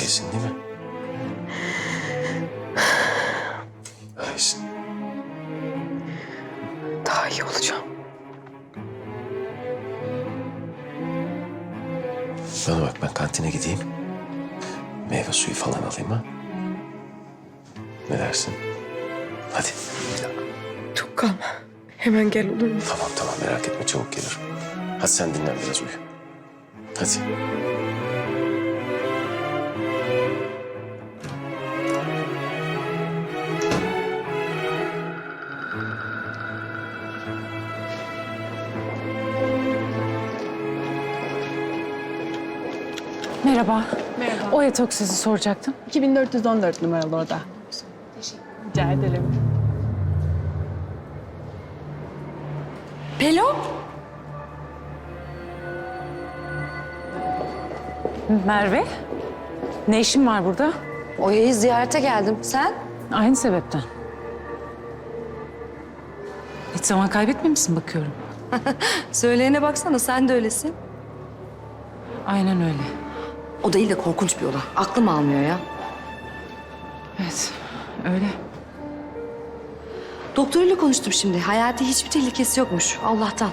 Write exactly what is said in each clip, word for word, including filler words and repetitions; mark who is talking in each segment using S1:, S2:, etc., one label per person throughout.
S1: iyisin değil mi? İyisin.
S2: Daha iyi olacağım.
S1: Bana bak, ben kantine gideyim. Meyve suyu falan alayım ha. Ne dersin? Hadi.
S2: Çok kalma. Hemen gel olur mu?
S1: Tamam tamam, merak etme, çabuk gelirim. Hadi sen dinlen biraz, uyu. Hadi.
S3: Merhaba.
S4: Merhaba.
S3: O yatak sizi soracaktım.
S4: iki bin dört yüz on dört numaralı oda. Rica ederim.
S3: Pelo? Merve? Ne işin var burada?
S5: Oya'yı ziyarete geldim. Sen?
S3: Aynı sebepten. Hiç zaman kaybetmemişsin bakıyorum.
S5: Söyleyene baksana, sen de öylesin.
S3: Aynen öyle.
S5: O değil de korkunç bir oda. Aklım almıyor ya.
S3: Evet, öyle.
S5: Doktoruyla konuştum şimdi. Hayati hiçbir tehlikesi yokmuş. Allah'tan.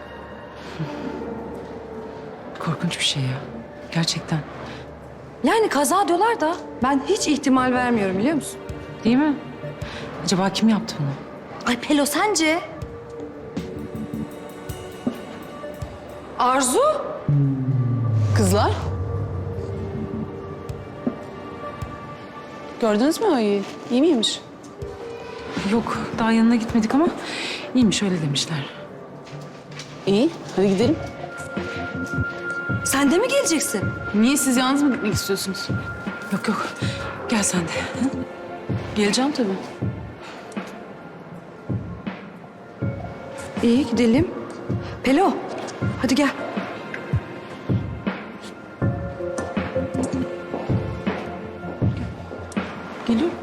S3: Korkunç bir şey ya. Gerçekten.
S5: Yani kaza diyorlar da ben hiç ihtimal vermiyorum, biliyor musun?
S3: Değil mi? Acaba kim yaptı bunu?
S5: Ay Pelo, sence? Arzu?
S4: Kızlar. Gördünüz mü Oya'yı? İyi miymiş?
S3: Yok, daha yanına gitmedik ama iyiymiş, öyle demişler.
S4: İyi. Hadi gidelim.
S5: Sen de mi geleceksin?
S4: Niye, siz yalnız mı gitmek istiyorsunuz?
S3: Yok yok, gel sen de. Hı?
S4: Geleceğim tabii.
S5: İyi, gidelim. Pelo, hadi gel.
S4: Geliyorum.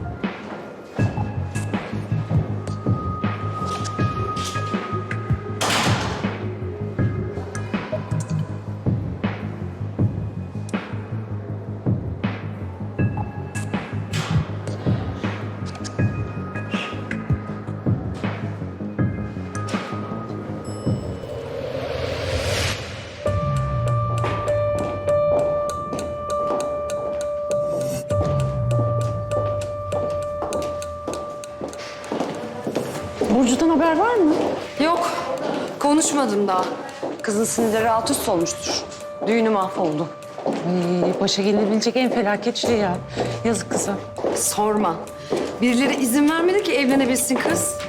S3: Burcu'dan haber var mı?
S5: Yok, konuşmadım daha. Kızın sinirleri alt üst olmuştur. Düğünü mahvoldu.
S3: Ay, başa gelebilecek en felaket şey ya. Yazık kıza.
S5: Sorma. Birileri izin vermedi ki evlenebilsin kız.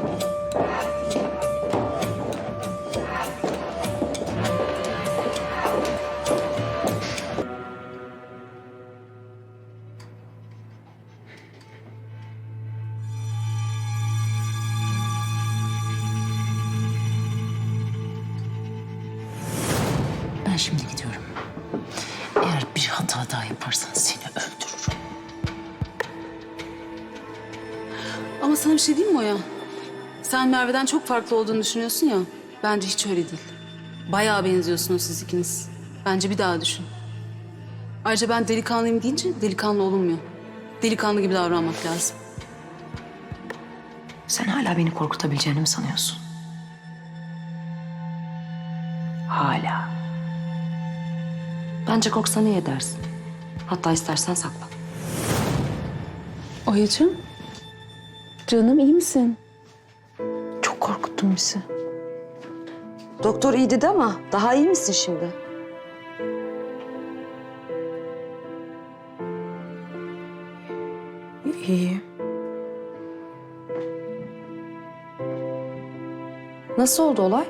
S3: Ben şimdi gidiyorum. Eğer bir hata daha yaparsan seni öldürürüm.
S4: Ama sana bir şey diyeyim mi Oya? Sen Merve'den çok farklı olduğunu düşünüyorsun ya. Bence hiç öyle değil. Bayağı benziyorsunuz siz ikiniz. Bence bir daha düşün. Ayrıca ben delikanlıyım deyince delikanlı olunmuyor. Delikanlı gibi davranmak lazım.
S5: Sen hala beni korkutabileceğini mi sanıyorsun? Hala. Bence korksan iyi edersin. Hatta istersen saklan.
S4: Oya'cığım. Canım, iyi misin?
S5: Çok korkuttun bizi. Doktor iyi dedi ama daha iyi misin şimdi?
S2: İyi.
S5: Nasıl oldu olay?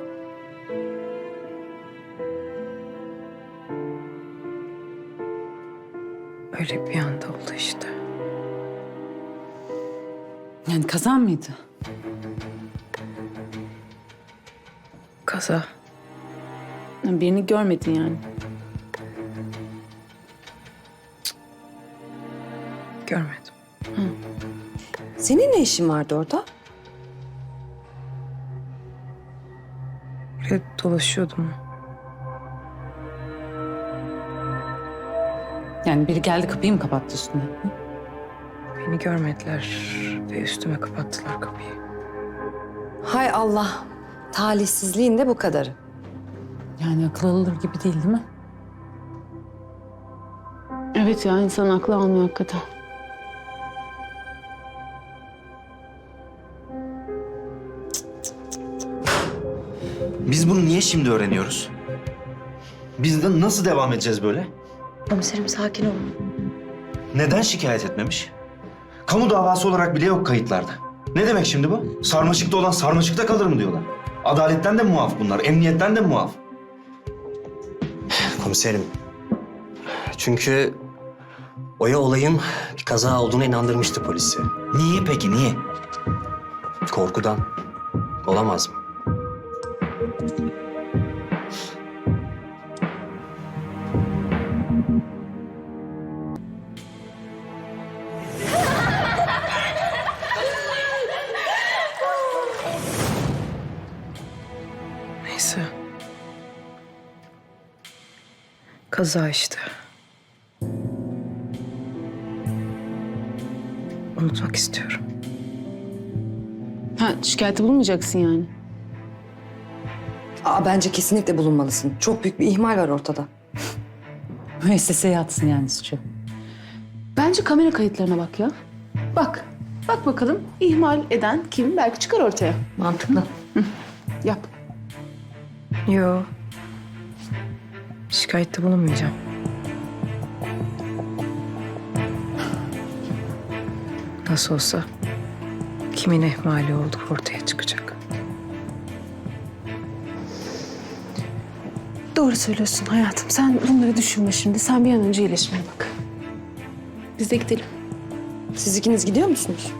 S2: Öyle bir anda oldu işte.
S4: Yani kazan mıydı?
S2: Kaza.
S4: Yani birini görmedin yani.
S2: Görmedim.
S5: Senin ne işin vardı orada?
S2: Böyle dolaşıyordum.
S3: Yani biri geldi kapıyı mı kapattı üstüne? Hı?
S2: Beni görmediler ve üstüme kapattılar kapıyı.
S5: Hay Allah. Talihsizliğin de bu kadarı.
S3: Yani akıl alır gibi değil değil mi?
S4: Evet ya, insan aklı almıyor hakikaten.
S6: Biz bunu niye şimdi öğreniyoruz? Biz de nasıl devam edeceğiz böyle?
S5: Komiserim sakin olun.
S6: Neden şikayet etmemiş? Kamu davası olarak bile yok kayıtlarda. Ne demek şimdi bu? Sarmaşıkta olan sarmaşıkta kalır mı diyorlar? Adaletten de muaf bunlar, emniyetten de muaf.
S7: Komiserim. Çünkü Oya olayın bir kaza olduğuna inandırmıştı polisi.
S6: Niye peki, niye?
S7: Korkudan. Olamaz mı?
S2: Neyse. Kaza işte. Unutmak istiyorum.
S4: Ha, şikayette bulunmayacaksın yani.
S5: Aa, bence kesinlikle bulunmalısın. Çok büyük bir ihmal var ortada.
S3: Müesseseye yatsın yani suçu.
S4: Bence kamera kayıtlarına bak ya. Bak. Bak bakalım ihmal eden kim? Belki çıkar ortaya.
S5: Mantıklı.
S4: Yap.
S2: Yo. Şikayette bulunmayacağım. Nasıl olsa kimin ihmali olduğu ortaya çıkacak.
S4: Doğru söylüyorsun hayatım. Sen bunları düşünme şimdi. Sen bir an önce iyileşmeye bak. Biz de gidelim.
S5: Siz ikiniz gidiyor musunuz?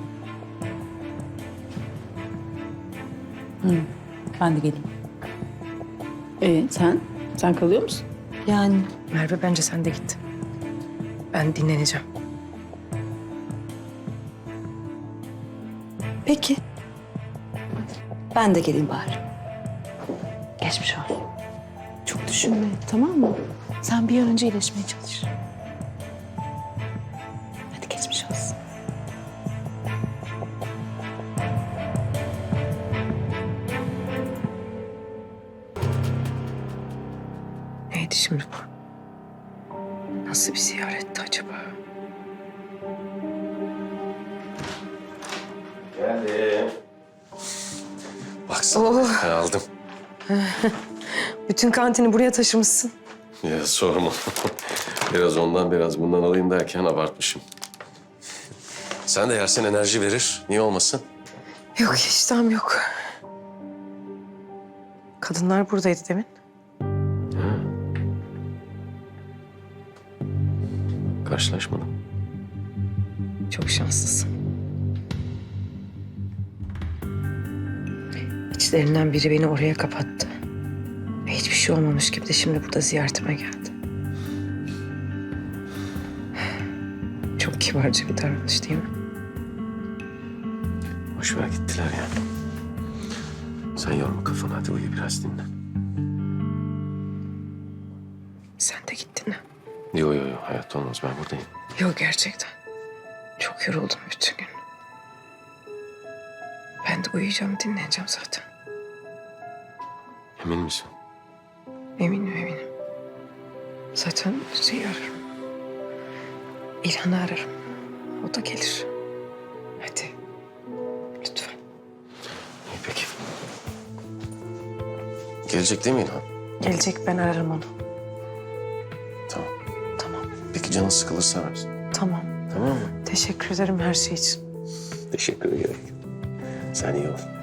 S3: Ben de geleyim.
S4: Ee, sen? Sen kalıyor musun?
S5: Yani
S2: Merve bence sen de git. Ben dinleneceğim.
S5: peki. Ben de geleyim bari. Geçmiş olsun.
S4: Çok düşünme, tamam mı? Sen bir an önce iyileşmeye çalış. Hadi geçmiş olsun.
S2: Neydi şimdi bu? Nasıl bir ziyaretti acaba?
S1: Geldim. Baksana
S2: Oh.
S1: ben aldım.
S2: Bütün kantini buraya taşımışsın.
S1: Ya sorma. Biraz ondan biraz bundan alayım derken abartmışım. Sen de yersen enerji verir. Niye olmasın?
S2: Yok iştahım yok. Kadınlar buradaydı demin.
S1: Karşılaşmadım.
S2: Çok şanslısın. İçlerinden biri beni oraya kapattı. Ve hiçbir şey olmamış gibi de şimdi burada ziyaretime geldi. Çok kibarca bir davranış değil mi?
S1: Boş ver gittiler ya. Sen yorma kafanı, hadi uyu biraz dinle.
S2: Sen de gittin ha.
S1: Yo yo yo, hayatta olmaz, ben buradayım.
S2: Yok gerçekten. Çok yoruldum bütün gün. Ben de uyuyacağım, dinleneceğim zaten.
S1: Emin misin?
S2: Eminim eminim. Zaten şeyi ararım. İlhan'ı ararım. O da gelir. Hadi. Lütfen.
S1: İyi peki. Gelecek değil mi İlhan?
S2: Gelecek, ben ararım onu.
S1: Tamam.
S2: Tamam.
S1: Peki canın sıkılırsa ararsın.
S2: Tamam.
S1: Tamam mı?
S2: Teşekkür ederim her şey için.
S1: Teşekkür ederim. Sen iyi ol.